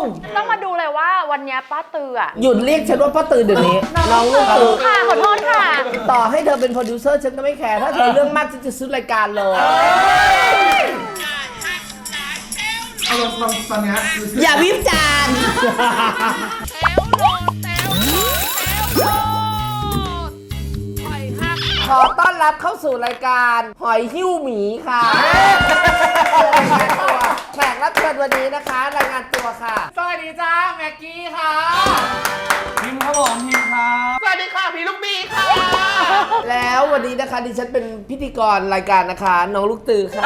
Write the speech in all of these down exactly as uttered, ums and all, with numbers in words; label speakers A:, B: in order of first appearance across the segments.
A: ต้องมาดูเลยว่าวันนี้ป้าตืออ่ะ
B: หยุดเรียกฉันว่าป้าตือเดี๋ยวนี้น้องลูกตือ
A: ค่ะขอโทษค่ะ
B: ต่อให้เธอเป็นโปรดิวเซอร์ฉันก็ไม่แคร์ถ้าเธอเรื่องมากฉันจะซื้อรายการเลย
C: เอาลองตอนนี้
B: อย่าวิจารณ์ขอต้อนรับเข้าสู่รายการหอยหิ้วหมีค่ะแขกรับเชิญวันนี้นะคะรายงานตัวค่ะ
C: สวัสดีจ้าแม็กกี้ค่ะพิมครับผมพิมครับสวัสดีค่ะพี่ลูกบีค่ะ
B: แล้ววันนี้นะคะดิฉันเป็นพิธีกรรายการนะคะน้องลูกตือค่ะ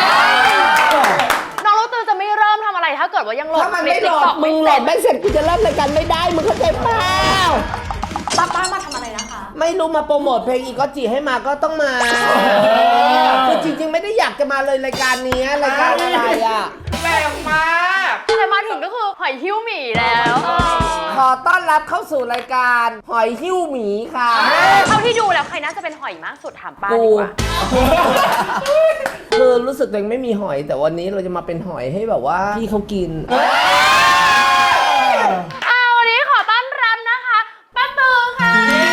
A: น้องลูกตือจะไม่เริ่มทำอะไรถ้าเกิดว่ายังโหลด
B: ถ้ามันไม่โหลดมึงโหลดไม่เสร็จกูจะเริ่มรายการไม่ได้มึงเข้าใจเปล่า
A: ป้าป้ามาทำอะไรนะคะ
B: ไม่รู้มาโปรโมทเพลงอีกก็จีให้มาก็ต้องมาคือจริงๆไม่ได้อยากจะมาเลยรายการนี้รายการอะไรอ่ะ
C: แรงมาก
A: แต่มาถึงก็คือหอยหิ้วหมีแล้ว
B: ขอต้อนรับเข้าสู่รายการหอยหิ้วหมีค่ะ
A: เท่าที่ดูแล้วใครน่าจะเป็นหอยมากสุดถามป้าดีกว่า
B: คือรู้สึกตัวเองไม่มีหอยแต่วันนี้เราจะมาเป็นหอยให้แบบว่าพี่เขากิน
A: เอาวันนี้ขอต้อนรับนะคะป้าตือค่ะ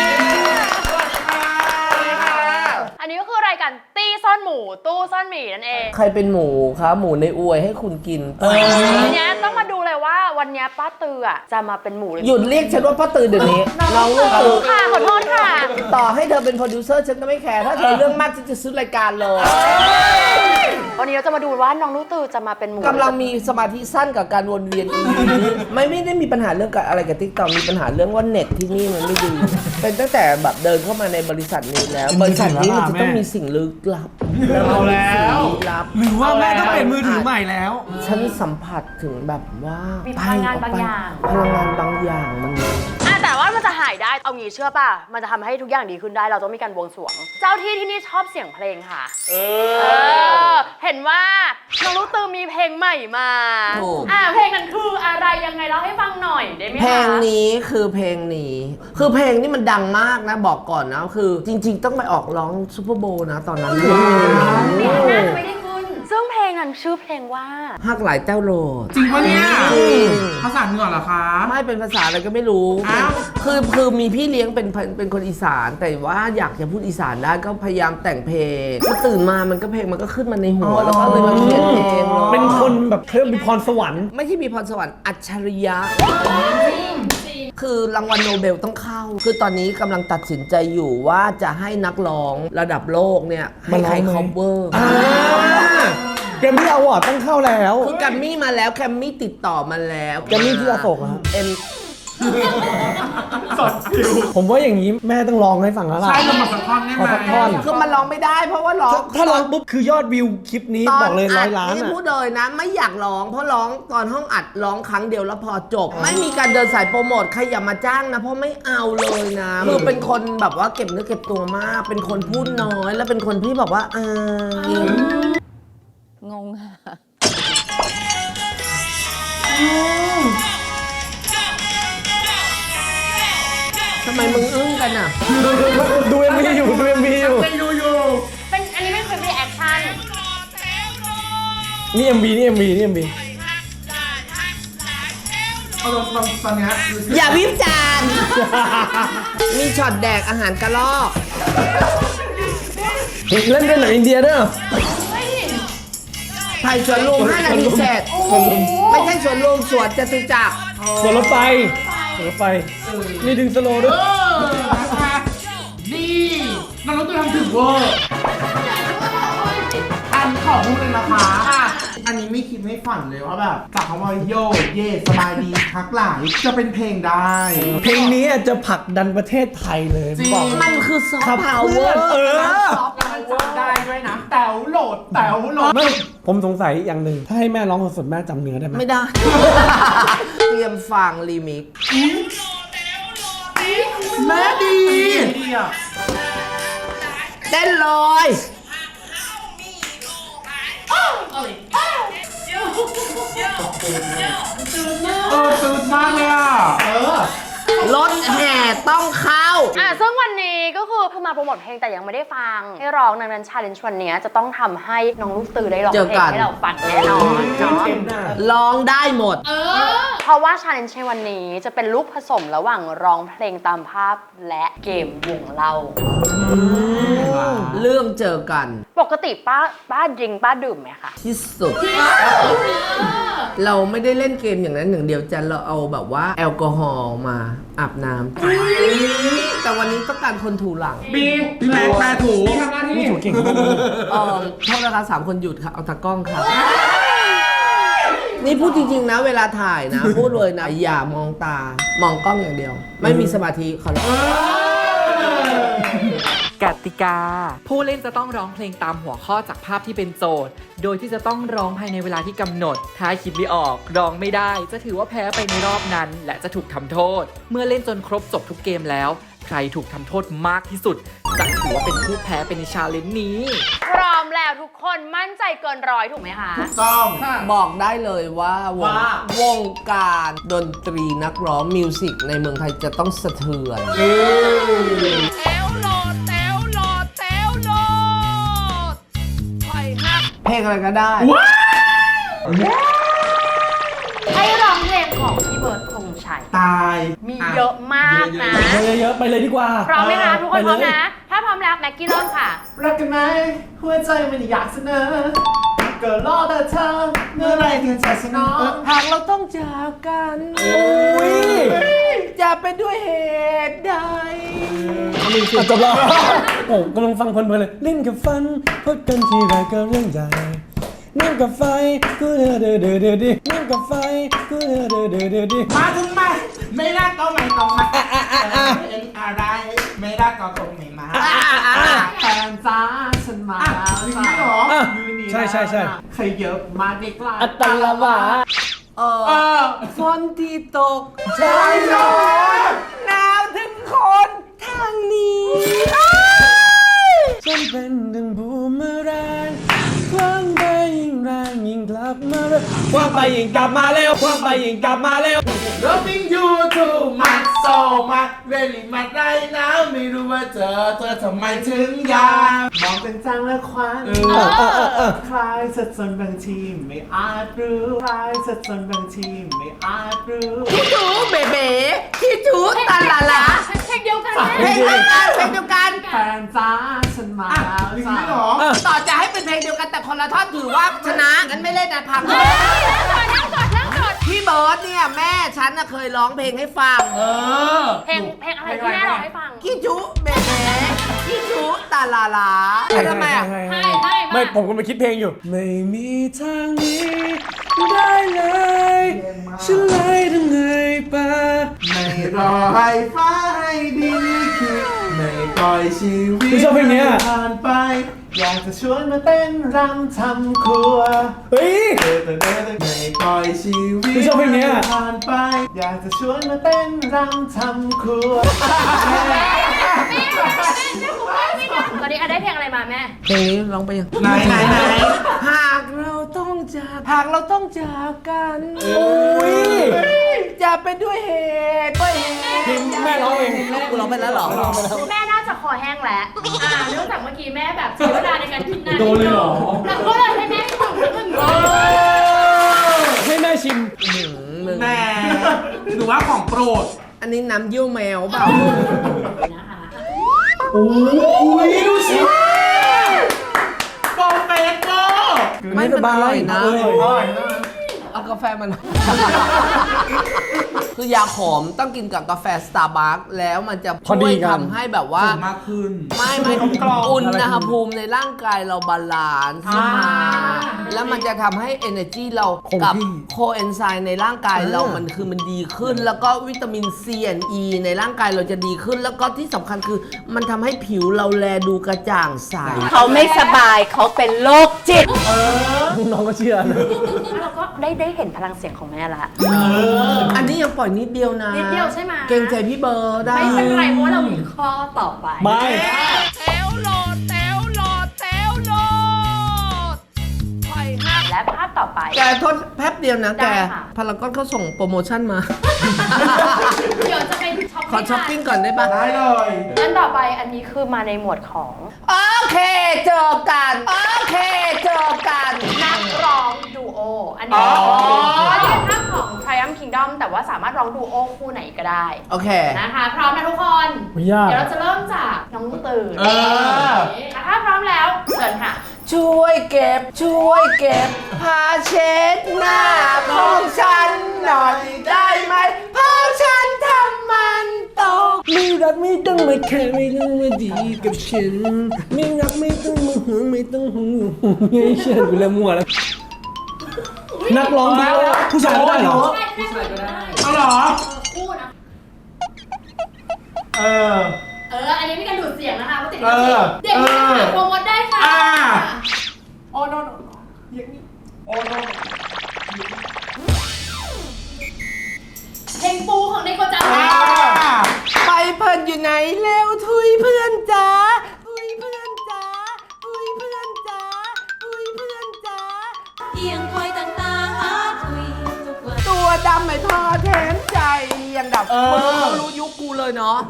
A: อันนี้ก็คือรายการตี้ซ่อนหมูตู้ซ่อนหมีนั่นเอง
B: ใครเป็นหมูคะหมูในอวยให้คุณกิน
A: ทีนี้ต้องมาดูเลยว่าวันนี้ป้าตืออ่ะจะมาเป็นหมู
B: หยุดเรียกฉันว่าป้าตือเดี๋ยวนี้น้องลูกตือ
A: ค่ะขอโทษค่ะ
B: ต่อให้เธอเป็นโปรดิวเซอร์ฉันก็ไม่แคร์ถ้าเธอเรื่องมากฉันจะซื้อรายการเลย
A: วันนี้เราจะมาดูว่าน้องลูกตือจะมาเป็นหมู
B: กำลังมีสมาธิสั้นกับการวนเวียนอีนี้ไม่ไม่ได้มีปัญหาเรื่องอะไรกับติ๊กต็อกมีปัญหาเรื่องว่าเน็ตที่นี่มันไม่ดีเป็นตั้งแต่แบบเดินเข้ามาในบริษัทนี้แล้วบริษัทนี้มันจะต้องมีสิ่งลึกลับ
C: เอาแล้วหรือว่าแม่ต้องเป็นมือถือใหม่แล้ว
B: ฉันสัมผัสถึงแบบว่า
A: มีพลังงานบางอย่าง
B: พลังงานบางอย่างมัน
A: แต่ว่ามันจะหายได้เอางี้เชื่อป่ะมันจะทำให้ทุกอย่างดีขึ้นได้เราต้องมีการบวงสรวงเจ้าที่ที่นี่ชอบเสียงเพลงค่ะเออเห็นว่าน้องลูกตือมีเพลงใหม่มาอ่าเพลงนั้นคืออะไรยังไงเล่าให้ฟังหน่อยได้ไหมคะ
B: เพลงนี้คือเพลงนี้คือเพลงนี้มันดังมากนะบอกก่อนนะคือจริงๆต้องไปออกร้องซุปเปอร์โบว์นะตอนนั้น
A: น่าจะไม่ได้ขึ้นซึ่งเพลงนั้นชื่อเพลงว่า
B: ฮักหลายเต้าโหลด
C: จริงปะเนี่ยภาษาเหนือเหรอคะ
B: ไม่เป็นภาษาอะไรก็ไม่รู้คือคือมีพี่เลี้ยงเป็นเป็นคนอีสานแต่ว่าอยากจะพูดอีสานได้ก็พยายามแต่งเพลงก็ตื่นมามันก็เพลงมันก็ขึ้นมาในหัวแล้วก็เลยมาเขียนเพลง
C: เป็นคนแบบเครื่องมีพรสวรรค์
B: ไม่ใช่มีพรสวรรค์อัจฉริยะคือรางวัลโนเบลต้องเข้าคือตอนนี้กำลังตัดสินใจอยู่ว่าจะให้นักร้องระดับโลกเนี่ยให้ใครคอฟเวอร์
C: แกมมี่อวอร์ดต้องเข้าแล้ว
B: คือแกมมี่มาแล้วแกมมี่ติดต่อมาแล้ว
C: แกมมี่ที่อโศกครับ
B: เอ็ม
C: สดฟิวผมว่าอย่างนี้แม่ต้องร้องให้ฟังแล้วล่ะใช่เรามาสักท่อนได้ไหมสักท่อน
B: คือมันร้องไม่ได้เพราะว่าร้อง
C: ถ้าร้องปุ๊บคือยอดวิวคลิปนี้บอกเลยร้อยล้าน
B: อ่ะพูดเลยนะไม่อยากร้องเพราะร้องตอนห้องอัดร้องครั้งเดียวแล้วพอจบไม่มีการเดินสายโปรโมทใครอย่ามาจ้างนะเพราะไม่เอาเลยนะคือเป็นคนแบบว่าเก็บเนื้อเก็บตัวมากเป็นคนพูดน้อยแล้วเป็นคนที่แบบว่าเอ
A: องงค่ะ
B: ทำไมมึงอึ้งกันอ่ะ
C: ดูเอ็มวีอยู่ดูเอ็มวีอยู่
A: เป็นดูอยู่เป็นอันนี้เป็นคลิปรีแอคชั่น
C: นี่เอ็มวีนี่เอ็มวีนี่เอ็มวีเอาลองตอนนี้
B: อย่าวิจารณ์มีช็อตแดกอาหารกระรอก
C: เล่นเป็นหนังอินเดียด้วย
B: ถ่ายสวนลุมห้านาทีเสร็จไม่ใช่สวนลุมสวนจตุจักร
C: สวนรถไฟสวนรถไฟนี่ดึงสโลว์ด้วยนี่น้องตัวทำถึงเวอร์อันขอพูดเลยนะคะอันนี้ไม่คิดไม่ฝันเลยว่าแบบจากคำว่าโยเย่สบายดีทักหลายจะเป็นเพลงได้เพลงนี้จะผลักดันประเทศไทยเลย
B: บอกมันคือซอฟต์พาวเวอร์
C: เออซอฟต์พาวเวอร์ได้ด้วยนะแต๋วโหลดแต๋วโหลดไม่ผมสงสัยอย่างหนึ่งถ้าให้แม่ร้องสดๆแม่จำเนื้อได้ไหม
B: ไม่ได้เตรียมฟังรีมิกซ์
C: แม่ดี
B: เต้นเลย
C: เออตื่นมากเลยอ่ะเออ
B: รถแห่ต้องเข้า
A: อ่ะซึ่งวันนี้ก็คือเพิ่งมาโปรโมทเพลงแต่ยังไม่ได้ฟังให้ร้องดังนั้น challenge วันนี้จะต้องทำให้น้องลูกตือได้ร้องเพลงให้เราฟังแน่นอนเนาะ
B: ร้องได้หมด
A: เออเพราะว่าชาเลนจ์ในวันนี้จะเป็นลูกผสมระหว่างร้องเพลงตามภาพและเกมวงเล่า
B: เรื่องเจอกัน
A: ปกติป้าป้าดื่มป้าดื่มไหมคะ
B: ที่สุด เราไม่ได้เล่นเกมอย่างนั้นอย่างเดียวจันเราเอาแบบว่าแอลกอฮอล์มาอาบน้ำแต่วันนี้ต้องการคนถูหลัง
C: บีพี่แม็กแปรถูทำหน้าที่ถูเก่ง
B: เออโทษนะคะสามคนหยุดค่ะ เอาตากล้องค่ะ นี่พูดจริงๆนะ เวลาถ่ายนะ พูดเลยนะ อย่ามองตา มองกล้องอย่างเดียว ไม่มีสมาธิขอร้อง
D: กติกา ผู้เล่นจะต้องร้องเพลงตามหัวข้อจากภาพที่เป็นโจทย์ โดยที่จะต้องร้องภายในเวลาที่กำหนด ถ้าคิดไม่ออกร้องไม่ได้ จะถือว่าแพ้ไปในรอบนั้น และจะถูกทำโทษ เมื่อเล่นจนครบจบทุกเกมแล้ว ใครถูกทำโทษมากที่สุด จะถือว่าเป็นผู้แพ้ไปในชาเลนจ์นี้
A: พร้อมแล้วทุกคนมั่นใจเกินร้อยถูกไหมคะ
C: ต้อง
B: บอกได้เลยว่าวงวงการดนตรีนักร้องมิวสิกในเมืองไทยจะต้องสะเทือน เพลงอะไรก็ได้
A: ให้ร้องเพลงของพี่เบิร์ดธงชัย
C: ตาย
A: มีเยอะมากนะ
E: เยอะๆไปเลยดีกว่า
A: พร้อมไหมคะทุกคนพร้อม
E: ไปเลย
A: นะ ถ้าพร้อมแล้วแม็กกี้เริ่มค่ะ
C: รักกันไหมหัวใจมันอยากเสนอเกิดรอแต่เธอเมื่อไรถึงจะสนอง
B: หากเราต้องจากกัน
E: โอ้ย
B: จะเป็นด้วยเหตุใด
E: อ่ะจบแล้วโอ้กำลังฟังเพลินๆเลยเล่นกับฟันพดกันทีไรก็เรื่องใหญ่นั่งกับไฟกูเดือดเดือดเดือดเดือดดินั่งกับไฟกูเดือดเดือดเดือดเดือดดิ
C: มาถึงไหมไม่รักก็ไม่ต้องมาเป็นอะไรไม่รักก็คงไม่มาแฟนจ้าฉันมาแล้วจ้ายืนนี่
E: ใช่ใช่ใช่
C: ใครเยอะมาดีกว่า
E: อัตตลวะ
B: เอ
C: เอ
B: อ
C: อ
B: ฝนที่ตก
C: ใช่ใช่
B: หนาวถึงคนทางนี้
E: ฉันเป็นดังบูมเมอแรงคว้างไปยิ่งแรงยิ่งกลับมาเร็วคว้างไปยิ่งกลับมาเร็วคว้างไปยิ่งกลับมาเร็ว
C: Loving you too much so much really much right now ไม่รู้ว่าเจอเธอทำไมถึงอยากมองเป็นจังและควันคลายสัดส่วนบางทีไม่อาจรู้คลายสัดส่วนบางทีไม่อาจรู้
B: พี่จูเบเบพี่จูตาลาลา
A: เพลงเดียวกัน
B: เพลงเดียวกันเพลงเดียวกัน
C: แฟนจ้าฉันมาแล้วจ้า
B: ต่อจะให้เป็นเพลงเดียวกันแต่คนละท่อนถือว่าชนะงั้นไม่เล่นนะพัง
A: นั่งก่อนนั่งก่อนนั่งก่อน
B: พี่เบิร์ดเนี่ยแม่ฉันน่ะเคยร้องเพลงให้ฟัง
C: เออ
A: เพลงเพลงอะไรที่แม่ร้องให้ฟัง
B: พี่จูเบเบพี่จูตาลาลาทำไมอ่ะ
A: ให้ให้
E: ไม่ผมกำลังคิดเพลงอยู่ ไม่มีทางนี้ได้เลยฉันเลยทำไงปะ
C: ไม่รอให้ฟ้าให้ดินคิดไม่ปล่อยชีวิต
E: ไม่ชอบเพลงเนี้ย
C: ผ่านไป อยากจะชวนมาเต้นรำทำครัว
E: เฮ้ย
C: ไม่ปล่อยชีวิต
E: ไม่ชอบเพลงเนี้ย
C: ผ่านไป อยากจะชวนมาเต้นรำทำครัว
A: ตอนนี้อะได้เพลงอะไรมาแม่
B: เพลงนี้ร้องไปยัง
C: ไหนไหนไหน
B: หากเราต้องจากหากเราต้องจากกัน
E: โอ้ย
B: จะเป็นด้วยเหตุด้วยเหตุ
E: เพลงแม่ร้องเอง
B: กูร้องไปแล้วเหรอ
A: แม่น่าจะคอแห้งแล้ว อ่าเนื่องจากเมื่อกี้แม่แบบใช้เวลาในการคิดนาน
E: โดนเลยเหรอ
A: แล้วก็เลยให้แม่ถึงถึงเลย
E: ให้แม่ชิม
C: แหม่หรือว่าของโปรด
B: อันนี้น้ำเยี่ยวแมวเปล่า
A: นะคะ
C: โอ้ยดูสิโปรเฟสโก
B: ไม่มันอร่อยนะ
E: เออ
C: อร่อยนะ
B: เอากาแฟมัน คือยาขมต้องกินกับกาแฟสตาร์บัคแล้วมันจะ
E: พอ
B: ช่
E: ดี
B: วย
E: กัน
B: ทำให้แบบว่า
C: มากขึ้น
B: ไม่ไม่
C: กลมๆ
B: อุณหภูมิในร่างกายเราบาลานซ์ขึ้นมา แล้วมันจะทำให้ energy เรา
E: คง
B: กับ
E: ที่
B: โคเอนไซม์ในร่างกายเรามันคือมันดีขึ้น แล้วก็วิตามิน C and E ในร่างกายเราจะดีขึ้น แล้วก็ที่สำคัญคือมันทำให้ผิวเราแลดูกระจ่างใส
A: เขาไม่สบายเขาเป็นโรคจิต
E: น้องก็เชื่อนะ
A: เราก็ได้ได้เห็นพลังเสียงของแม่ละ
B: อันนี้ยังปล่อยนิดเดียวนะ
A: นิดเดียวใช่ไหม
B: เกรงใจพี่เบิร์ดได้
A: ไม่เป็นไรเพราะว่าเรามีข้อต่อไป
E: ไม่
A: และภาพต่อไป
B: แกโทษแป๊บเดียวนะแก
A: ได้ค่ะ
B: พารากอนเขาส่งโปรโมชั่นมา
A: เดี๋ยวจะไปช้อป
B: ขอช้อปปิ้งก่อนได้ปะ
C: ได้เลย
A: อันต่อไปอันนี้คือมาในหมวดของ
B: โอเคเจอกัน โอเคเจอกัน
A: นักร้องดูโอ อันนี้
C: อ๋อ
A: อันนี้เป็นภาพของ Triumph Kingdom แต่แต่ว่าสามารถร้องดูโอคู่ไหนก็ได้
B: โอเค
A: นะคะ พร้อมนะทุกคน
E: ไม่ยาก
A: เดี๋ยวเราจะเริ่มจากน้องลูกตื่น
C: เออ
A: ถ้าพร้อมแล้วเชิญค่ะ
B: ช่วยเก็บ ช่วยเก็บผ้าเช็ดหน้าของฉันหน่อยได้ไหมเพราะฉันทำมันตก
E: ไม่รักไม่ต้องมาแค่ไม่ต้องมาดีกับฉัน ไม่รักไม่ต้องมาห่วงไม่ต้องห่วงให้ฉันกูเริ่มมั่วแล้ว นักร้องดีผู้ชายก็ได้เหรอ
A: ผู้ชายก็ได้
C: เอาเหรอ
A: คู่นะ
C: เออ
A: เออ อันนี้ไม่กันดูดเสียงนะคะเพราะติด
C: เออ
A: เด็กนี่ค่ะโปรโมทได้ค่ะ
C: อ่า
A: โอ้โนโนอย่างนี้โอ้โนเพลงปูของในโกจัง
C: อ่า
B: ไปเพิ่นอยู่ไหนเร็วทุยเพื่อนจ๋าทุยเพื่อนจ๋าทุยเพื่อนจ๋าทุยเพื่อนจ๋า
F: เอียงคอยต่างๆหาคุยทุกวัน
B: ตัวดำไม่พอแถมใจยังดับ
C: เออ
B: เขารู้ยุคกูเลยเนาะ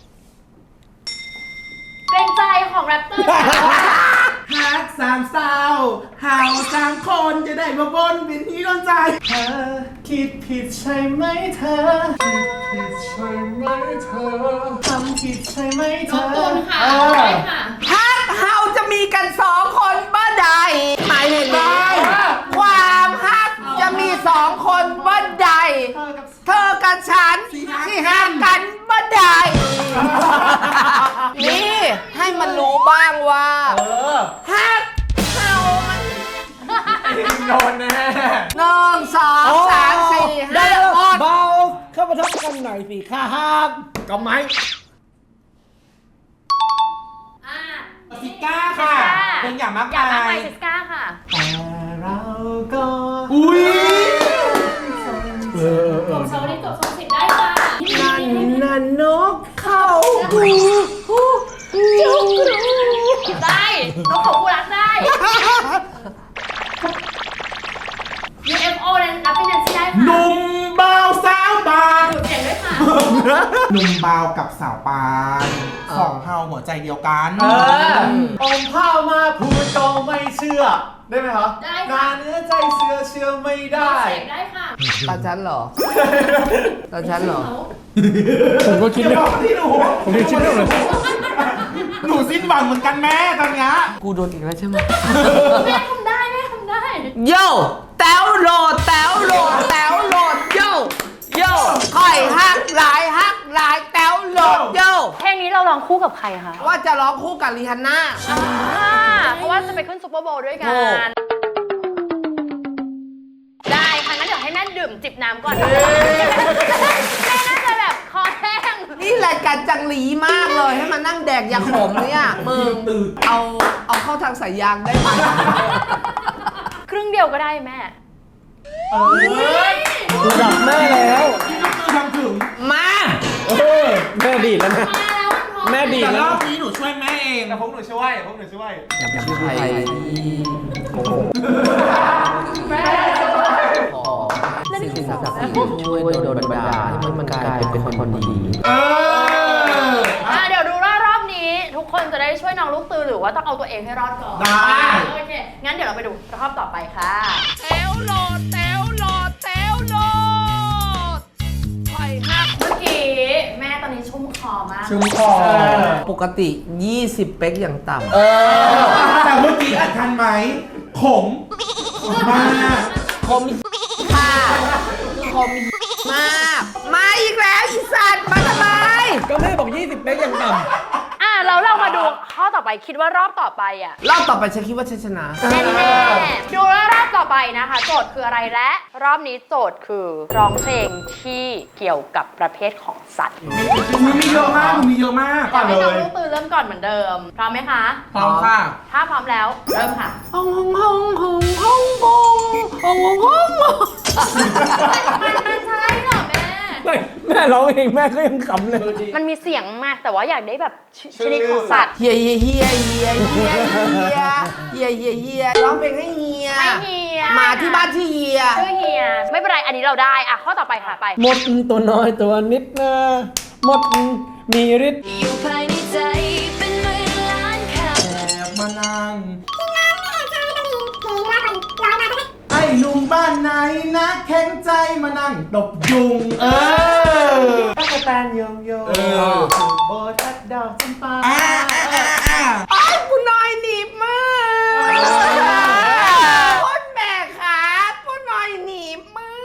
A: เป็นใจของแรปเตอร์ค่ะ
C: ฮักสามเศร้าเห่าสามคนจะได้มาบนเป็นที่โดนใจเธอคิดผิดใช่ไหมเธอคิดผิดใช่ไหมเธอทำผิดใช่ไหมเธ
A: น้อง
C: อ
A: ตูนค่ะ
C: เออ
A: ได้ค่ะ
B: ฮักเฮาจะมีกันสองคนบ่ได้หมายถึงนี้ความฮักจะมีสองคนบ่ได้เธอกับฉันที่ฮักกันบ่ได้นี่ให้มันรู้บ้างว่า
C: เออ
B: ฮักเฮามัน
C: โดนแน่
B: หนึ่งสองสามสี่
E: ได้
B: ห้า
E: แล้ว
B: หก
E: เบาเข้ามาทับกันหน่อยสิค่ะฮักก็ไหม
A: อ่า
C: ซิก้าค่ะเป็นอย่างมาก
A: อยาก
C: มา
A: รักใหม่
C: ย
A: ซิสก้าค่ะ
C: แต่เราก็อุ้ย
E: เออเออเอ
A: จ
E: อบ
A: โซนี่จบโซสิบได้ค่ะ
B: นั่นนั่นนกเข้าหูหูจุกรู
A: ได้น้องของกูรักได้ ยู เอฟ โอ นั้นรับเป็นแนนซี่ได้
C: ห
A: ค่ะ
C: นุ่มเบาสาวบาง
A: ดูดเสียงด้วยค่ะ
C: หนุ่มเบากับสาวปานสองเฮาหัวใจเดียวกัน
E: เอออมข้าวมาพูดก็ไม่เชื่อ ได้ไหมครับ
A: ได้
E: นา
A: ค่ะ
E: เนื้อใจเสือเชื่อไม่
A: ดู
E: ได้
A: ดเสียงได้ค่ะ
B: ตาฉันเหรอตาฉันเหรอ
E: ผมก็คิด
C: เดี๋ยว
E: ไม่
C: บอกที่หนู
E: ผมยังคิดไม่ออกเลย
C: หนูสิ้นหวังเหมือนกันแม่ตอนเนี้ย
B: กูโดนอีกแล้วใช่ไหม
A: แม่ทำได้แม่ทำได้
B: โย่แต้วโหลดแต้วโหลดแต้วโหลดโย่โย่ค่อยฮักหลายฮักหลายแต้วโหลดโย่
A: เพลงนี้เราร้องคู่กับใครคะ
B: ว่าจะร้องคู่กับริฮันน่า
A: อ่าเพราะว่าจะไปขึ้นซุปเปอร์โบว์ด้วยกั
B: ถูก
A: น ได้ค่ะงั้นเดี๋ยวให้แม่ดื่มจิบน้ำก่อนแม่น่าจะแบบคอแห้ง
B: นี่รายการจังหลีมากเลยให้มานั่งแดกยาขมเนี่ยมึงเอาเอาเข้าทางสายยางได้ไหม
A: ครึ่งเดียวก็ได้แม่
C: เอ้ย
E: ดูดับแม่แล้ว
C: ที่ลูกคือทำถึง
B: มา
E: เออแม่ดีดแล้วนะ
A: มาแล้วมันพร้อม
E: แม่ดีด
C: แต่
E: แล้
C: ร
E: ว
C: อบ
E: นะ
C: นี้หนูช่วยแม่เองแต่พวกหนูช่วยพวกหนูช่วย
B: ชื่อใคร สิ่งศักดิ์สิทธิ์ช่วยโดนบันดาลให้มันกลายเป็นคนดี
C: เออ
A: อ่ะเดี๋ยวดูว่ารอบนี้ ทุกคนจะได้ช่วยน้องลูกตือหรือว่าต้องเอาตัวเองให้รอดก่อน
C: ได้
A: โอเค งั้นเดี๋ยวเราไปดูรอบต่อไปค่ะ
B: แถวโหลดแถวโหลดแถวโหลดค่อยฮัก
A: เมื่อกี้แม่ตอนนี้ชุ่มคอมาก
C: ชุ่มคอ
B: ปกติ ยี่สิบ เป๊กอย่างต่ำ
C: แต่เมื่อกี้อัดทันไหมขมมาก
B: คมค่ะคมมาก มาอีกแล้วอีสัตว์มาทำไม
E: ก็แม่บอกยี่สิบเป๊กยังต่ำ
A: อ่ะแล้วเรามาดูข้อต่อไปคิดว่ารอบต่อไปอ่ะ
B: รอบต่อไปฉันคิดว่าฉันชนะ
A: แน่ๆดูว่ารอบต่อไปนะคะ โจทย์คืออะไรและ รอบนี้โจทย์คือร้องเพลงที่เกี่ยวกับประเภทของสัตว์
C: หนูมีเยอะมากหนูมีเยอะมาก
A: อยากให้
C: เล
A: น้อง
C: ย
A: ลูกตือเริ่มก่อนเหมือนเดิม พร้อมไหมคะ
C: พร้อมค่ะ
A: ถ้าพร้อมแล้วเริ่มค่ะ
B: ฮงฮงฮงฮงฮงฮงฮงฮงฮง
A: มันมันใช่เหรอแม่
E: ไม่แม่ร้องเองแม่ก็ยังขำเลย
A: มันมีเสียงมากแต่ว่าอยากได้แบบชชนิดของสัตว์
B: เฮียเฮียเฮียเฮียเฮียเฮียเฮียเฮียเฮียร้องเพลงให้เฮีย
A: ให้เฮีย
B: มาที่บ้านที่เฮีย
A: ชื่อเฮีย ไม่เป็นไร อันนี้เราได้อ่ะข้อต่อไปค่ะไป
E: มดตัวน้อยตัวนิดนะมดมีฤทธิ์
F: อยู่ภายในใจเป็นหมื่นล้านคำ
C: แอบมานั่งไอ้ลุงบ้านานไหนนะแข็งใจมานั่งตบยุงเออตั๊กแตนโยงโยโบทัดดอกจำปา
B: ไอ้คุณน้อยหนีบมากคุณแม่ขาคุณน้อยหนีบมาก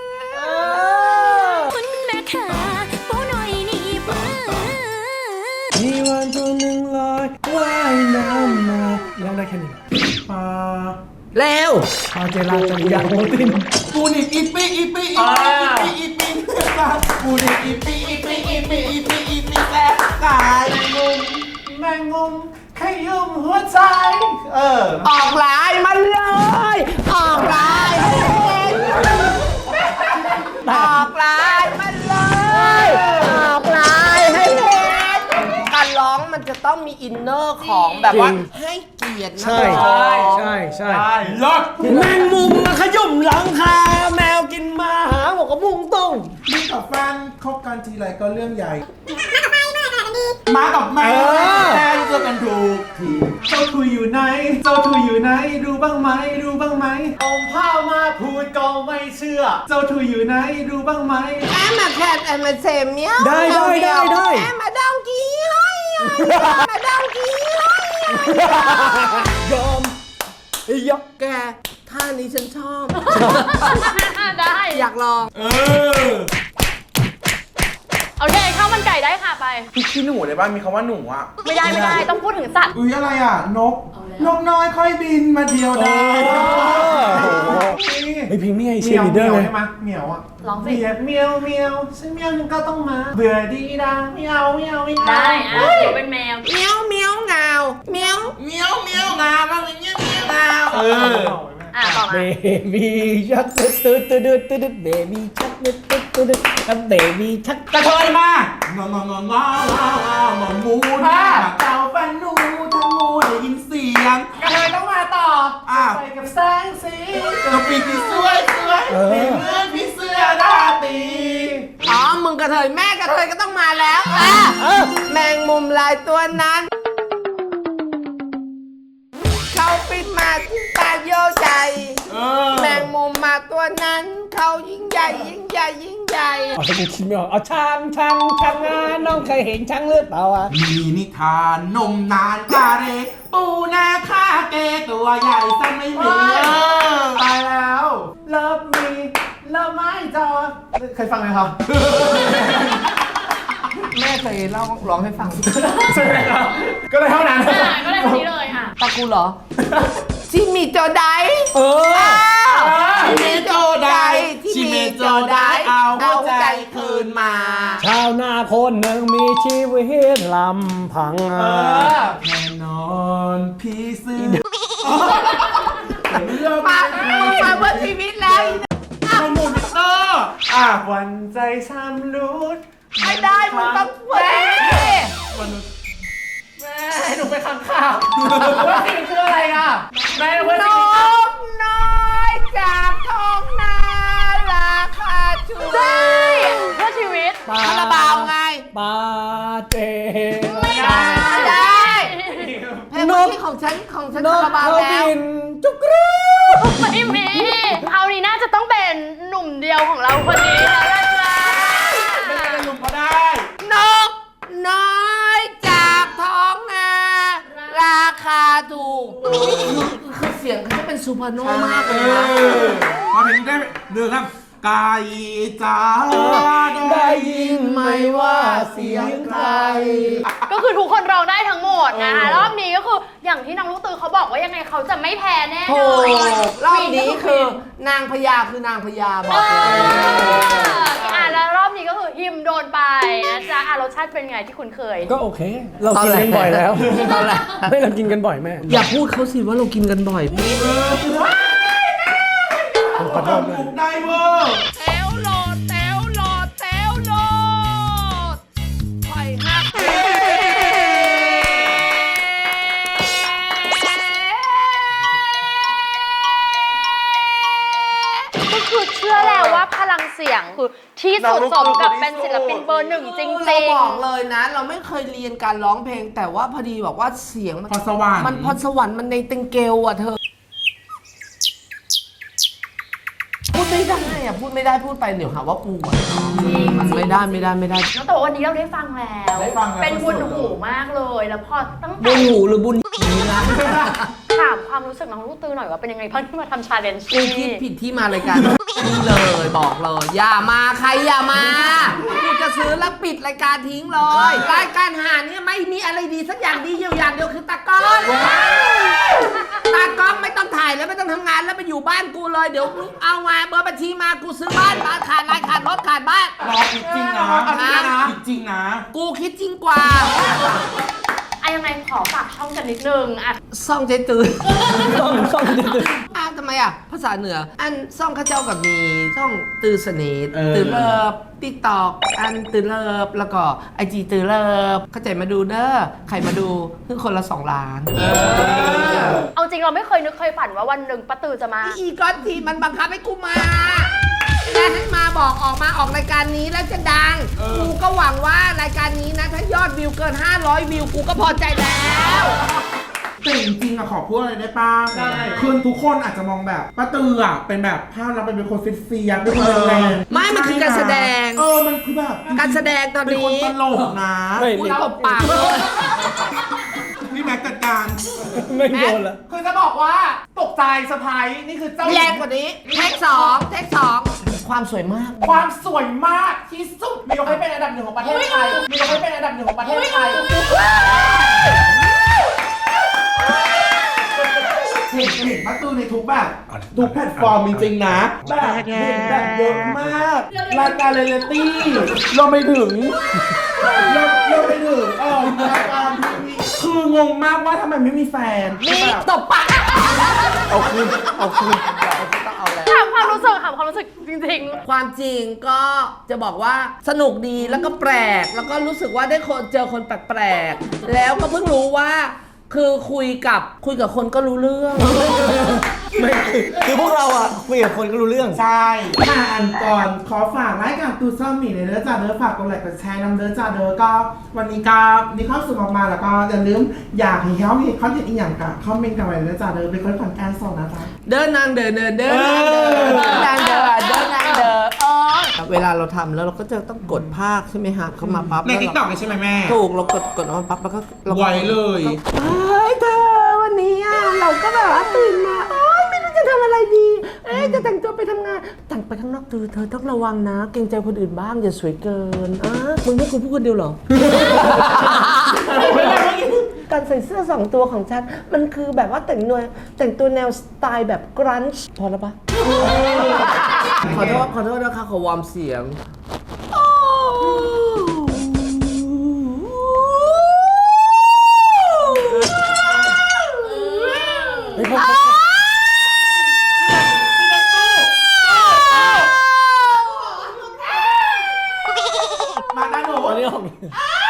F: คุณแม่ขาปูหน่อยนี่บ้า
E: มีวันตัวหนึ่งลอยว่ายน้ำมาร้องได้แค่นี้
C: ปลา
B: เร็ว
E: พาเจราจริยาโมติน
C: ปูนิบอีปีอีปีอีปีอีปีอีปีปูนิบอีปีอีปีอีปีอีปีอีปีแซ่บกายงมแมงงมขยุ่มหัวใจเออ
B: ออกลายมันเลย ออกลายให้เห็นออกลายมันเลย ออกลายให้เห็นการร้องมันจะต้องมีอินเนอร์ของแบบว่าให้เกียรตินะ
E: ใช่
B: ค
E: ใช่ใช่
C: ได้รถ
E: แมงมุมมาขยุ่มหลังคาแมวกินมาหาหมกกระพุ้งต้ง
C: มีกับแฟนคบกันทีไรก็เรื่องใหญ่ มากับแม่แฟนเจอกันถูกทีเจ้าทุยอยู่ไหน เจ้าทุยอยู่ไหน ดูบ้างไหม ดูบ้างไหมเอาผ้ามาพูดก็ไม่เชื่อ เจ้าทุยอยู่ไหน ดูบ้างไหม
B: แอมมาแคทแอมมาเซมเนี้ย
E: ได้ได้ได้ได้
B: แอมมาดองกี้ให้มาดองกี้ให้
E: ยอมยก
B: แกท่านี้ฉันชอบ
A: ได้
B: อยากลอง
C: เออ
A: โอเคข้าวมันไก่ได้ค่ะไป
C: พี่ขี้หนูเลยป่ะ มีคำว่าหนูอ่ะ
A: ไม่ได้ไม่ได้ต้องพูดถึงสัตว์
C: อุ้ยอะไรอ่ะ นก นกน้อยค่อยบินมาเดียวดาย
E: ไอพิงนี่ไอเชียร์ลีดเดอร์เลย
C: ใช่ไหมเหมียวอ่ะ
A: ร้องสิ
C: เบียดเมียวเมียวฉันเมียวนึงก็ต้องมา เบื่อดีดังเมียวเมียวเมียว
A: ได้อ่ะเดี๋ยวเป็นแมว
B: เมียวเมียวงาวเมียว
C: เมียวเมียวงาบ้างอย่างเงี้ยเมียวงาเออ
A: อ่ะต่อ
E: เบ
A: มา
E: บี้ชักตึ๊ดตึ๊ดตึ๊ดตึ๊ดตึ๊ดเบบี้ชักตึ๊ดตึ๊ดตึ๊ดตึ๊ดเบบี้ชัก
C: กระเทยมางองององององมูนะเต่าฟันนูทั้งมูได้ยินเสียงกระเทยต้องมาต่ออ่ะไปกับแสงสีกับปีกที่สวยสวยสีเหมือนพี่เสื้อราตรี
B: อ๋อมึงกระเทยแม่กระเทยก็ต้องมาแล้วอ่ะแมงมุมลายตัวนั้น เขาปิดมาที่ตาโยใจ
C: เออ
B: แมงมุมมาตัวนั้น เขายิ่งใหญ่ยิ่งใหญ่ยิ่งใหญ่
E: เอาถ้ากูคิดไม่ออกเอาช้างช้างช้างงานน้องเคยเห็นช้างหรือเปล่าอ่ะ
C: มีนิทานนมนานกาเร ปูนาคาเกตัวใหญ่ซะไม่มีตายแล้วเลิฟมีเลิฟไม่จอเคยฟังไหมครับ
B: แม่เคยเล่าร้องให้ฟัง
C: ใช่ไหมครับก็เลยเท่านั้น
A: อ่ะก็ได้คนนี้เลยอ่ะ
B: ตากูเหรอ ชิมิโจได
E: เออ
B: ชิมิโจไดชิมิโจไดเอาหัวใจคืนมา
E: ชาวนาคนหนึ่งมีชีวิตลำพัง
C: เออแน่นอนพี่ซื้อ
B: มามาเพื่อชีวิตแล้ว
C: มันหมุนเตอร์อ่ะวันใจช้ำรุด
B: ไม่ได้มึงต้องเว้ย
C: แม่ให้หนูไปขังข่าวว่าสิ่งคืออะไรอ่ะแม่เพื่อน
B: น
C: สิ่ง
B: กน้อยจากท้องนาราคาชูได้
A: เพื่อชีวิต
B: คาราบาวไง
E: ปาเจ
B: ไม่ได้เพลงนี้ของฉันของฉัน
E: น
B: คาก ราบาว
E: เขา
B: แล้ว
E: บินจุกรู
A: ไม่มีเอานี้น่าจะต้องเป็นหนุ่มเดียวของเราคนนี้แล้วล่ะจ้า
C: ไม่ได้ลุมก็ได้
B: นกน้อยจากท้องนาราคาถูกคือเสียงเขาจะเป็นซูเปอร์โนมากเลยนะ
C: มาถึงได้เรื่องครับกายจ้า
E: ได้ยินไหมว่าเสียงใคร
A: ก็คือทุกคนร้องได้ทั้งหมดนะคะรอบนี้ก็คืออย่างที่น้องลูกตือเขาบอกว่ายังไงเขาจะไม่แพ้แน่น
B: โอ้
A: อน
B: รอบนี้คือนางพญาคือนางพญาบ
A: เอ
B: อกเลย
A: ออ่ะแล้วรอบนี้ก็คือฮิมโดนไปนะจ๊ะอ่ะรสชาติเป็นไงที่คุณเคย
E: ก็โอเค เรากินกันบ่อยแล้ว
B: ตอนแรก
E: ไม่เรากินกันบ่อยแม่
B: อย่าพูดเขาสิว่าเรากินกันบ่อยพี่
E: ผมขอโทษด้วย
C: บุกได้เวอร์
B: แถวโหลดแถวโหลดแถวโหลดไข่ฮัก
A: ก็คือเชื่อแล้วว่าพลังเสียงคือที่สุดสมกับเป็นศิลปินเบอร์หนึ่งจริง
B: เรา
A: ๆ
B: บอกเลยนะ เราไม่เคยเรียนการร้องเพลง แต่ว่าพอดีบอกว่าเสียงมัน
C: พรสวรรค์
B: มันพรสวรรค์มันในเต็งเกลอ่ะเธอ พูดไม่ได้อะพูดไม่ได้พูดไปเดี๋ยวหาว่ากูอะมันไม่ได้ไม่ได้ไม่ได้
A: แล้วแต่ว่าวันนี้เราได้ฟังแล้ว
C: ได้ฟังแล้ว
A: เป็นบุญหูมากเลย แล้วพอตั้ง
B: บุ
A: แต่
B: ญหูหรือบุญหีนะ
A: ถามความรู้สึกน้องลูกตือหน่อยว่าเป็นยังไงบ้างที่มาทำชาเลนจ์
B: กูคิดผิดที่มารายการนี่เลยบอกเลย อย่ามาใครอย่ามากูจะซื้อแล้วปิดรายการทิ้งเลยรายการหาเนี่ยไม่มีอะไรดีสักอย่างดีอยู่อย่างเดียวคือตากล้องตากล้องไม่ต้องถ่ายแล้วไม่ต้องทำงานแล้วไปอยู่บ้านกูเลยเดี๋ยวมึงเอามาเบอร์บัญชีมากูซื้อบ้านบ้านขาดรายขาดรถขาดบ้าน
C: รอคิดจริงนะเอาจริงนะคิดจริงนะ
B: กูคิดจริงกว่า
A: อะยังไงขอฝากช่องกันนิดนึงอะ
B: ซ่องใจตื่น
E: ซ่องซ่องตื่น
B: อ้าวทำไมอ่ะ ภาษาเหนือ อันซ่องข้าเจ้ากับมีซ่องตื่นสนิท
C: เออ
B: ตื่นเลิฟติ๊กตอกอันตื่นเลิฟแล้วก็ไอจีตื่นเลิฟเข้าใจมาดูเด้อใครมาดูคือคนละสองล้าน
A: เอาจริงเราไม่เคยนึกเคยฝันว่าวันหนึ่งป้าตือจะมา
B: อีก้อนทีมันบังคับให้กูมาแล้วให้มาบอกออกมาออกรายการนี้แล้วจะดัง กูก็หวังว่ารายการนี้นะ ถ้ายอดวิวเกินห้าร้อยวิวกูก็พอใจแล้ว
C: แต่จริงๆอะขอพูดอะไรได้ป้าได้คือทุกคนอาจจะมองแบบป้าตืออะเป็นแบบภาพเราเป็นคนเฟียสๆเป็นคนแรงๆ
B: ไม่มันคือการแสดง
C: เออมันคือแบบ
B: การแสดงตอน
C: เป็น
B: นี้
C: คนตลกนะ
E: ไม่
B: กู
E: ไม่
B: ตบปากเลย
C: นี่แม็กจัดการ
E: ไม่โดนละ
C: คือจะบอกว่าตกใจเซอร์ไพรส์นี่คือเจ้าหญิ
B: แรงกว่านี้เทคสองเทคสองความสวยมาก
C: ความสวยมากที่สุดมียกให้เป็นอันดับหนึ่งของประเทศไทยมียกให้เป็นอันดับหนึ่งของประเทศไทยเห็นเห็นป้าตือในทุกแบบทุกแพลตฟอร์มจริงๆนะแบบเห็นแบบเยอะมากรายการเรียลลิตี้เราไปถึงเราเราไปถึงเออรายการทีวีคืองงมากว่าทำไมไม่มีแฟน
B: นี่ตบปาก
E: เอาคืนเอาคืน
A: ถามความรู้สึกถามความรู้สึกจริง
B: ความจริงก็จะบอกว่าสนุกดีแล้วก็แปลก แล้วก็รู้สึกว่าได้คนเจอคนแปลกๆแล้วก็เพิ่งรู้ว่า คือคุยกับคุยกับคนก็รู้เรื่อง
E: ไม่คือคือพวกเราอ่ะคุยกับคนก็รู้เรื่อง
C: ใช่ค่ะอันก่อนขอฝากรายการตูซ่อมหมีในเด้อจ้าเด้อฝากกดไลค์กดแชร์นำเด้อจ้าเด้อก็วันนี้ก็มีความสุขมากๆแล้วก็อย่าลืมอยากให้เขาเห็นคอนเทนต์อีกอย่างกับคอมเมนต์กันไว้เด้อจ้าเด้อเป็นคนผ่อนแอนส่งนะจ๊ะ
B: เดินนางเดินเดินเดินนางเดินเดินนางเดินเดินนางเดินอ๋อเวลาเราทำแล้วเราก็จะต้องกดภาคใช่ไหมฮะเข้ามาปั๊บ
C: ในติ๊กต็อกใช่ไหมแม่
B: ถูกเรากดกดออกมาปั๊บแล้วก็ราก็
C: ไวเลย
B: เฮ้ยเธอวันนี้อ่ะเราก็แบบว่าตื่นมาโอ๊ยไม่รู้จะทำอะไรดี เอ๊ะจะแต่งตัวไปทำงานแต่งไปข้างนอกเธอเธอต้องระวังนะ เกรงใจคนอื่นบ้างอย่าสวยเกินอ่ะมึงให้กูพูดคนเดียวเหรอ การใส่เสื้อสองตัวของฉัน มันคือแบบว่าแต่งตัวแต่งตัวแนวสไตล์แบบกรันช์พอแล้วปะ ขอโทษขอโทษนะคะขอวอร์มเสียง
E: เฮ้ยพวก
C: มาด้านหนู
E: อันนี้ออก
C: เ